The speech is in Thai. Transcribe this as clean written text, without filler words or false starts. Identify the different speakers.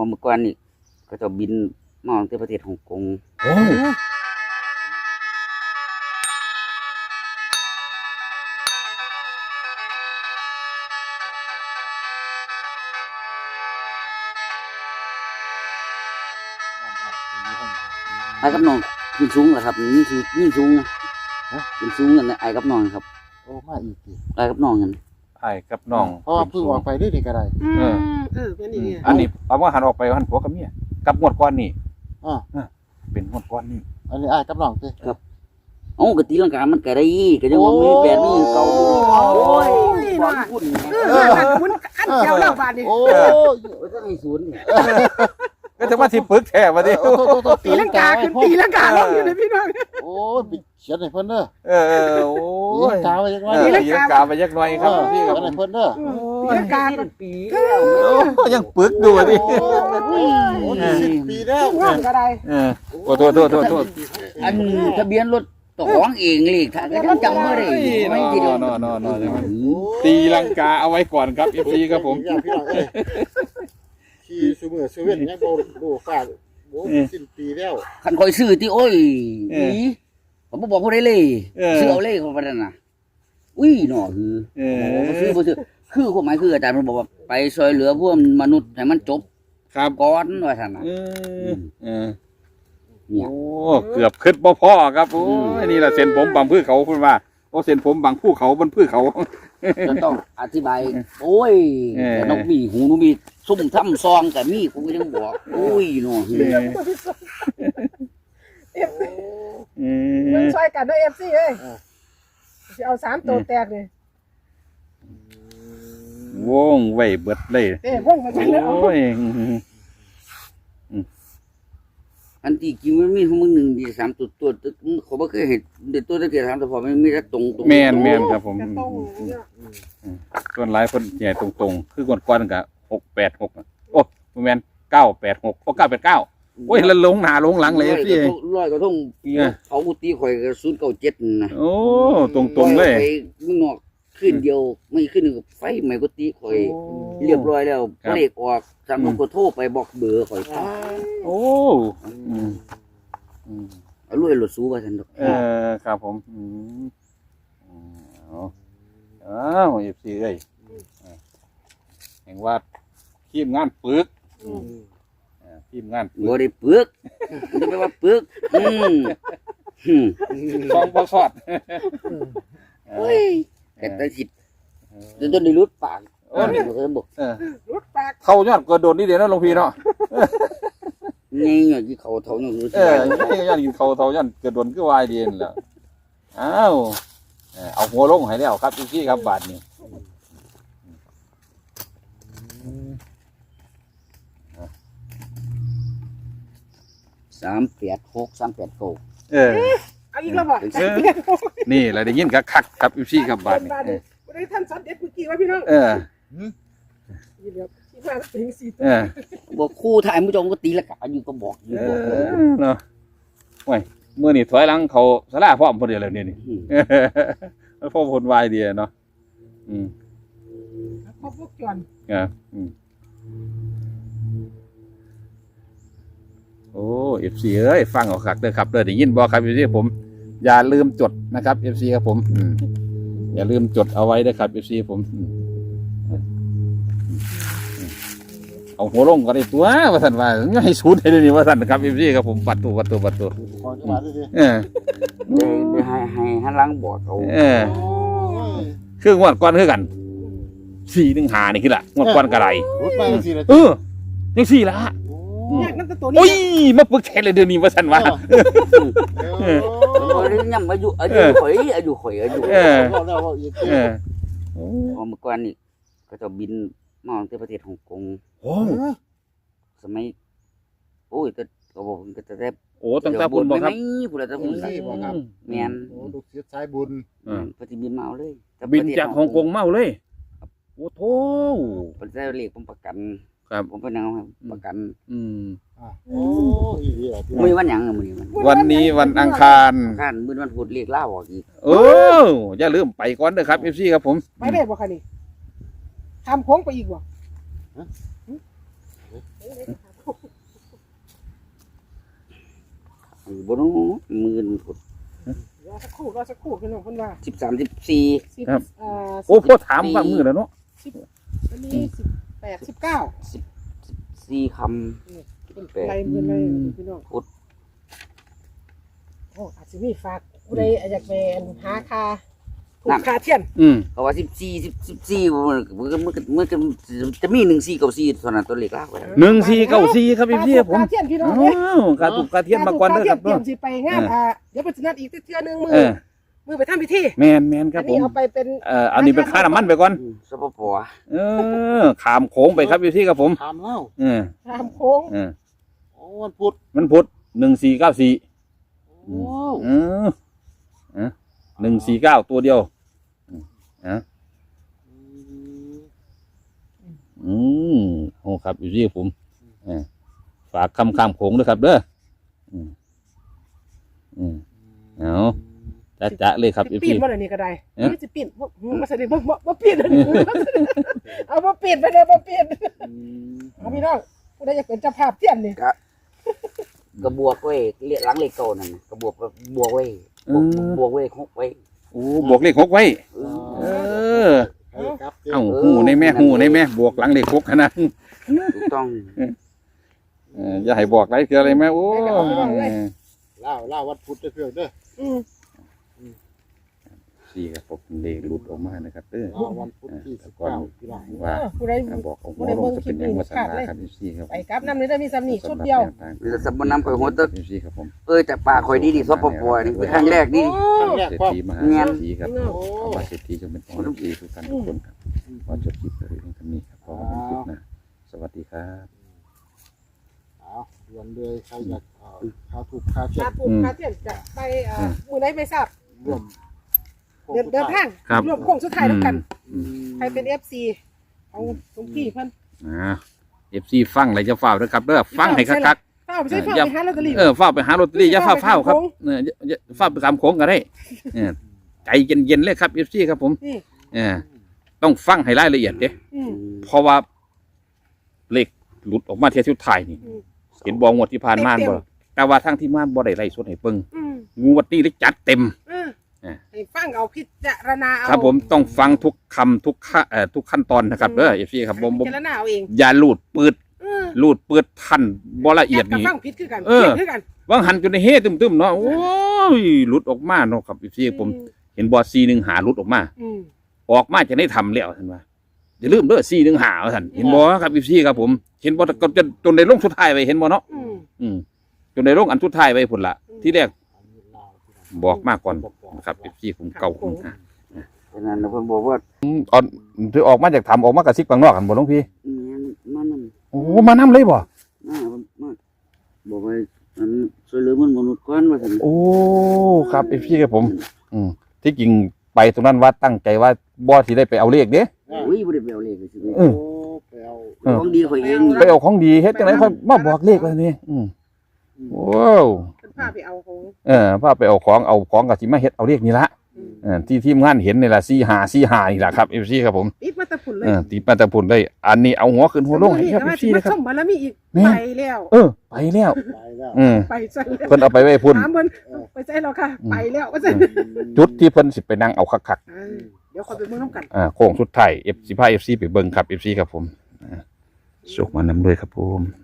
Speaker 1: เมื่อก่อนนี่ก็จะบินมาตั้งแต่ประเทศฮ่องกง
Speaker 2: โอ้
Speaker 1: ไอ้กับน้องขึ้นสูงเหรอครับนี่คือยิ่งสูงนะขึ้นสูงกันนะไอ้กับน้องครับ
Speaker 3: โอ้มาอีกที
Speaker 1: ไอ้กับน้องกัน
Speaker 2: ไอ้กับน้อง
Speaker 3: เพราะว่าเพิ่งออกไปได้ก็ได้
Speaker 4: เป็นอย่างนี้
Speaker 2: อันนี้เอาว่าหันออกไปหันผัวกับเมียกับงวดก้อนนี่
Speaker 3: อ่า
Speaker 2: เป็นงวดก้อนนี่
Speaker 3: อันนี้อ้ายกับน้องสิ
Speaker 1: โอ้กตีลังกามันก็ได้ก็ยังว่ามีแปดมีเก่าโอ้ยความคุ้น
Speaker 4: คุณอันเจ้าเล่าบาดนี่
Speaker 3: โอ้ย
Speaker 1: ถ้าให้ศูนย์เนี่ย
Speaker 2: ก็จะมาที่ปึกแท้มาดิ
Speaker 4: ตีลังกาขึ้นตีลังกาลงอยู่ในพี่น้อง
Speaker 3: โอ้ยปิดเขียนให้เพิ่นเด้อ
Speaker 2: โอ้
Speaker 3: ตี
Speaker 2: ย
Speaker 3: ลังกาไว้ยังไง
Speaker 2: ตีลังกาไปยักหน่อยครับพี่ครับ
Speaker 3: เขียนให้เพิ่นเด้อ
Speaker 4: ตีลังกา
Speaker 1: เป็นปี
Speaker 2: ยังปึกดูดิ
Speaker 3: โอ้ย10 ปีแล้ว
Speaker 4: ง่วงก็ได้
Speaker 2: โอ้โทษ
Speaker 1: อันทะเบียนรถตัวของเองเลยถ้าก็จำไม่ได้ไม่ทีเดียวน
Speaker 2: ตีลังกาเอาไว้ก่อนครับ FC ครับผม
Speaker 3: พี่น้องเอ้ยขี่ซูเมอร์เซเว่นยังบ่ฟาดโอ้สิ้นปีแล้ว
Speaker 1: คันคอยซื้อที่โอ้ยนี่ผมบอกผู้ใดเลยซื้อเอาเลยเขาไปนั่นน่ะอุ้ยหน่อคือบ่ซื้อคือความหมายคืออาจารย์มันบอกว่าไปช่วยเหลือพวกมนุษย์ให้มันจบ
Speaker 2: ครับ
Speaker 1: ก่อนว่าซั่นน่ะ
Speaker 2: โอ้เกือบขึ้นบ่พ่อครับโอ้ยนี่แหละเส้นผมบางพื้นเขาพูดว่าโอ้เส้นผมบางภูเขาบนพื้นเขา
Speaker 1: จะต้องอธิบายโอ้ยนกมีหูนกมีซุ่มทำซองแต่มีกูก็ยังบอกอุ้ยหน่อคือ
Speaker 4: มึงช่วยกันด้วยเอฟซีเอ้ยจะเอา3ตัวแตกเลยว
Speaker 2: งไว้เบิดเลย
Speaker 4: ว่องมาจังเลย
Speaker 2: โอ้ย
Speaker 1: อันที่จริงมันมีของมึงหนึ่งดีสามตัวเขาไม่เคยเห็นเด็ดตัวตะเกียบสามตัวพอมันมีแต่ตรง
Speaker 2: แมนครับผม
Speaker 4: จะต้องเนี่ย
Speaker 2: ส่วนหลายคนใหญ่ตรงๆคือก่อนๆกับ686โอ้แมน986โอ้989โอ้ยแล้วลงหน้าลงหลังเลยพี่
Speaker 1: ร้อยกระทงปีเขากุฏิข่อยกับ097นะ
Speaker 2: โอ้ตรงๆเลย
Speaker 1: ไปมึงนอกขึ้นเดียวไม่ขึ้นหนึ่งไฟใหม่กุฏิข่อยเรียบร้อยแล้วเลขออกสามก็โทรไปบอกเบอร์ข่อย
Speaker 2: โอ้
Speaker 1: รวยหลุดสู้ว่าฉันดอก
Speaker 2: ครับผมอ้าวFCเอ้ยแห่งว่าทีมงานปึกทีมงานปึ
Speaker 1: บ่
Speaker 2: ก
Speaker 1: ได้ปึกมันจะไปว่าปึก
Speaker 2: ซองบ่สอด
Speaker 1: เฮ้ยแต่สิจนได้รุดปากเคยบอก
Speaker 4: รุดปาก
Speaker 2: เข้ายอดกระโดดนี่เดี๋ยวนะหลวงพี่เนาะ
Speaker 1: นี่อย่างที่เขาเท่าอย่างนี้
Speaker 2: ยอดกินเขาเท่ายอดกระโดดก็วายดีนแล้วอ้าวเอาหัวลงให้แล้วครับพี่ครับบาทนี้
Speaker 1: 386 389
Speaker 4: เอาอีกแล้วบ่
Speaker 2: นี่แหละได้ยินคักครับพี่ครับบาทนี้
Speaker 4: ได้ท่านสอนเด็ดเมื่อกี้ว่าพี่น้องยี่เดียวที่มาถึง4ตัว
Speaker 1: บอกคู่ถ่ายมุจงก็ตีละกาอยู่ก็บอกอยู่บอก
Speaker 2: เนาะโอ้ยเมื่อนี่ถอยหลังเขาสลาพร้อมพอดีแล้วนี่แล้วพ่อพลวายดีเนาะ
Speaker 4: พบพวกจวน
Speaker 2: โอ้FCเอ้ยฟังเอาคักเด้อครับเด้อได้ยินบ่ครับ FC ผมอย่าลืมจดนะครับ FC ครับผมอย่าลืมจดเอาไว้เด้อครับ FC ผมเอาหัวลงก็ได้ตัวว่าซั่นว่าอย่าให้สูดให้นี่ว่าซั่นครับ FC ครับผมปัดตัว
Speaker 3: ขอจังหวะดิ
Speaker 1: ได้ให้หันหลังบอกเขา
Speaker 2: คืองวดก่อนคือกัน415นี่คือล่ะงวดก่อนก็ได้
Speaker 3: รุดไปจังซี่ล่ะ
Speaker 2: จังซี่ล่ะ
Speaker 4: เนี่ยนั่นตัวนี้
Speaker 2: โอ้ยมาปึกแท้เลยเดี๋ยวนี้ว่าซั่นว่า
Speaker 1: เรื่องย่ำอายุข่อย
Speaker 3: แล้วอีก
Speaker 1: เมื่อก่อนนี่ก็จะบินมาตั้งแต่ประเทศฮ่องกง
Speaker 2: โอ้
Speaker 1: สมัยโอ้ยแต่ก็บอกก็จะได้
Speaker 2: โอ้ตั้งแต่บุญบ่ครับ
Speaker 1: ผู้ใดจะบุญแม่น
Speaker 3: โอ้ลูกศิษย์สายบุญ
Speaker 1: ปฏิบินมาเอาเลย
Speaker 2: บินจากฮ่องกงเมาเลยโอ้โธ่
Speaker 1: ประเทศเรียกผมประกัน
Speaker 2: ครับ
Speaker 1: ผมเป็นนางประกัน
Speaker 3: โอ้อีเดีย
Speaker 1: มื้อวันหยังมื้อนี้
Speaker 2: วันนี้วันอังคาร
Speaker 1: การมื้อวันพุธเรียกลาออกอีก
Speaker 2: อย่าลืมไปก่อนเด้อครับ FC ครับผม
Speaker 4: ไปได้บ่คะนี่ทำโค้งไปอีกบ่
Speaker 1: บ่รู้หมื่น
Speaker 4: รอสักครู่พี่น้องเพิ่นว่า
Speaker 1: 13 14
Speaker 2: ครับ
Speaker 4: 10
Speaker 2: โอ้พ่อถามว่ามือแล้วเนาะ
Speaker 4: อันนี้18 19
Speaker 1: 4คำ
Speaker 4: เป็นไรมือเลยพี่น้อง
Speaker 1: พุทธ
Speaker 4: โอ้อาจจะมีฝากผู้ใดอยากเป็นหาคาถูกคาเทียน
Speaker 1: เขาว่า14มันจะมี1494เท่านั้นตัวเลขลากไว้
Speaker 2: 1494ครับพี่ผม
Speaker 4: คาเทียนพี่น้อง
Speaker 2: อ้าวการถูกการเทียนมาก่อนเด้อครับ
Speaker 4: เตรี
Speaker 2: เนาะ
Speaker 4: ยมสิไปงานเดี๋ยวไปนัดอีกเทื่อนึงมื
Speaker 2: เออ
Speaker 4: มือไปทำพิธี
Speaker 2: แมนค
Speaker 4: อั
Speaker 2: รับ
Speaker 4: น
Speaker 2: ผ
Speaker 4: นี้
Speaker 2: ม
Speaker 4: เอาไปเป็น
Speaker 2: อันนี้เป็นค่าน้ำมันไปก่อน
Speaker 1: สปป
Speaker 2: ขามโค้งไปครับพี่ครับผม
Speaker 3: ถามเล่า
Speaker 2: เออ
Speaker 4: ตามโค้ง
Speaker 2: เออ
Speaker 3: โอ้วันพุธ
Speaker 2: มันพุธ1494
Speaker 3: โอ้
Speaker 2: 149ตัวเดียวโอ้ครับอยู่ที่ผมฝากคำข้ามโขงด้วยครับเด้อเอาจะเลยครับ
Speaker 4: สิปีนบ่ได้นี่ก็ได้นี่สิปีนบ่ใช่บ่ปีนเอาบ่ปีนไปเลยบ่ปีนเอาพี่น้องผู้ใดอยากเป็นเจ้าภาพเทียนนี่
Speaker 1: กระบวกไว้หลังเลขเก่านั่นกระบวกบวกไว้บวกไว้6ไว้
Speaker 2: โอ้บวกเลข6ไว้
Speaker 3: ครับ
Speaker 2: เอ้าหูในแม่บวกหลังเลข6ขนาด
Speaker 1: ถูกต้อง
Speaker 2: อย่าให้บอกไรคืออะไรแม่โอ้
Speaker 3: เล่าวันพุธเพื่อนเด้อ
Speaker 2: สี่ครับผมเลขหลุดออกมานะครับเด้อ
Speaker 3: วันพุธที่19พี่น้อง
Speaker 2: ว่า
Speaker 4: ผู้ใด
Speaker 2: บอกเอาหัวลงจะเป็นยังวัฒนาครับพี่ครับ
Speaker 4: ไปกับน้ำนี่ได้มีซ้ำนี่ชุดเดียว
Speaker 1: มีแต่สมนำไปหัวตึก
Speaker 2: พี่ครับผม
Speaker 1: แต่ป่าข่อยดีสปปนี่เป็นครั้งแรกนี่
Speaker 3: ครั้งแรก
Speaker 2: เศรษ
Speaker 3: พ่อ
Speaker 2: ฐีมหาเศรษฐีครับขอมาเศรษฐีจงเป็นของพี่ทุกท่านทุกคนครับขอจบคลิปไปเรื่องนี้ครับขอเป็นคลิปนะสวัสดีครับ
Speaker 3: เอาด่วนเลยใครอยากข้าวถูกข้าวเช็
Speaker 4: คา
Speaker 3: ด
Speaker 4: ปูคาเทียนจะไปมือไหนไม่ทราบ
Speaker 3: ร่วม
Speaker 4: เดินทางรวมโค้งสุดท้ายแล้วกันใครเป็น FC เอาตรงพี่เพิ่น
Speaker 2: FC ฟังอะไรจะฝ้าด้วยครับเด้อฟังให้คัก
Speaker 4: เฝ้าไปใช้เฝ้าไปหาลอตเตอรี่
Speaker 2: ฝ้าไปหาลอตเตอรี่อย่าฝ้าครับฝ้าไปตามโค้งก็ได้ใจเย็นๆเลยครับ FC ครับผมต้องฟังให้รายละเอียดเด้เพราะว่าเลขหลุดออกมาเที่ยวสุดท้ายนี่เห็นบองวดที่ผ่านมาบ่แต่ว่าทั้งที่มาบ่ได้ไล่สดให้เบิ่งงวดนี้ได้จัดเต็ม
Speaker 4: ให้ฟังเอาพิจารณาเอา
Speaker 2: ครับผมต้องฟังทุกคำทุกขั้นตอนนะครับเด้อ FC ครับผม
Speaker 4: พิจารณาเอาเอง
Speaker 2: อย่าลูดปืดทันบ่ละเอียดนี่
Speaker 4: ฟังผิดคือกันเพี้ยนคือกัน
Speaker 2: วางหันจนในเฮตึมๆเนาะโอ้ยหลุดออกมาเนาะครับ FC ผมเห็นบ่415หลุดออกมาจะได้ทำแล้วท่านว่าอย่าลืมเด้อ415ท่านเห็นบ่ครับ FC ครับผมเห็นบ่จนได้ลงสุดท้ายไปเห็นบ่เนาะจนได้ลงอันสุดท้ายไปพุ่นละที่แรกบอกมาก่อนนะครับพี่ผมเก่า
Speaker 1: ฉะนั้นเพิ่นบอกว่า
Speaker 2: ออนที่ออกมาจากถ้ำออกมากระซิบข้างนอกกันบ่หลวงพี่
Speaker 1: มานั่น
Speaker 2: โอ้มาน้ำเลยบ่
Speaker 1: มาบอกว่าอันช่วยเหลือมนุษย์ก่อนว่าซั่น
Speaker 2: โอ้ครับพี่กับผมที่จริงไปตรงนั้นว่าตั้งใจว่าบ่ที่ได้ไปเอาเลขเด้
Speaker 1: อุ้ยบ่ได้ไปเอาเลขสิ
Speaker 3: โอ้ไปเอา
Speaker 1: ของดีข่อยเอง
Speaker 2: ไปเอาของดีเฮ็ดจังได๋ค่อยมาบอกเลขว่านี่ว้าว
Speaker 4: เป็นผ้าไปเอาของ
Speaker 2: พาไปเอาของก็สิมาเฮ็ดเอาเลขนี่ละที่ทีมงานเห็นนี่ล่ะ45นี่ล่ะครับ FC ครับผม
Speaker 4: ติดมาตะพุ่นเลย
Speaker 2: ติดมาแต่พุ่นเลยอันนี้เอาหัวขึ้นหัวลงให้ครับ FC นะครับ
Speaker 4: ชมบารมีอีกไปแล้ว
Speaker 2: ไปแล้ว
Speaker 4: ไปใส่แล้ว
Speaker 2: เพิ่นเอาไปไว้พุ่น
Speaker 4: ถามเพิ่นไปใส่แล้วค่ะไปแล้วว่าซั่น
Speaker 2: จุดที่เพิ่นสิไปนั่งเอาคัก
Speaker 4: เดี๋ยวขอไปเบิ่งนำกัน
Speaker 2: โค้งสุดท้าย F15 FC ไปเบิ่งครับ FC ครับผมสุขมานำด้วยครับผม